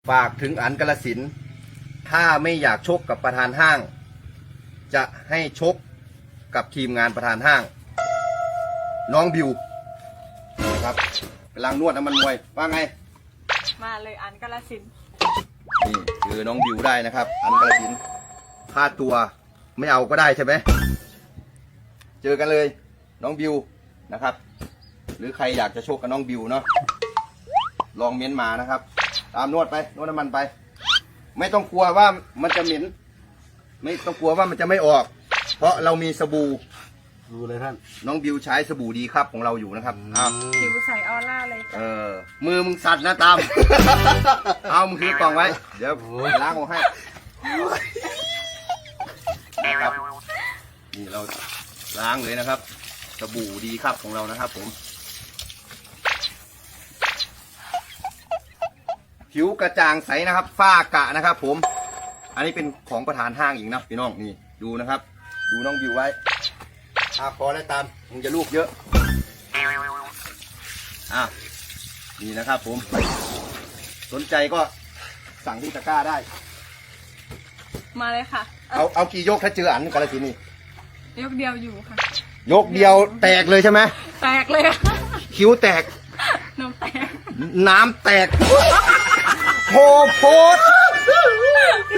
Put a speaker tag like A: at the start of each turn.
A: ฝากถึงอันกาฬสินธุ์ถ้าไม่อยากชกกับประธานห้าง จะให้ชกกับทีมงานประธานห้าง น้องบิวนะครับกำลังนวดน้ำมันมวยว่าไง
B: มาเลยอันกาฬสินธุ์
A: นี่คือน้องบิวได้นะครับ อันกาฬสินธุ์ค่าตัวไม่เอาก็ได้ใช่ไหมเจอกันเลยน้องบิวนะครับ หรือใครอยากจะชกกับน้องบิวเนาะลองเม้นมานะครับ ตามนวดไปนวดน้ำมันไป ไม่ต้องกลัวว่ามันจะเหม็นไม่ต้องกลัวว่ามันจะไม่ออก เพราะเรามีสบู่
C: ดูเลยท่าน
A: น้องบิวใช้สบู่ดีครับของเราอยู่นะครับอ้าว
B: ผิวใสออร่าเลยจ้ะ
A: มือมึงสั่นนะตาม เอามึงถือกล่องไว้ เดี๋ยวล้างออกให้นะครับนี่เราล้างเลยนะครับ สบู่ดีครับของเรานะครับผมผิวกระจ่างใสนะครับฝ้ากระนะครับผมอันนี้เป็นของประธานห้างอีกนะพี่น้องนี่ดูนะครับ ดูน้องบิวไว้พอแล้วตามมึงจะลูกเยอะนี่นะครับผมสนใจก็สั่งที่ตะกร้าได้
B: มาเลยค่ะ
A: เอากี่ยกถ้าเจออันกาฬสินธุ์นี่
B: ยกเดียวอยู่ค่ะ
A: ยกเดียวแตกเลยใช่ไหม
B: แตกเลยค่ะ
A: คิ้วแตก
B: น้ำแตก
A: น้ำแตกโพด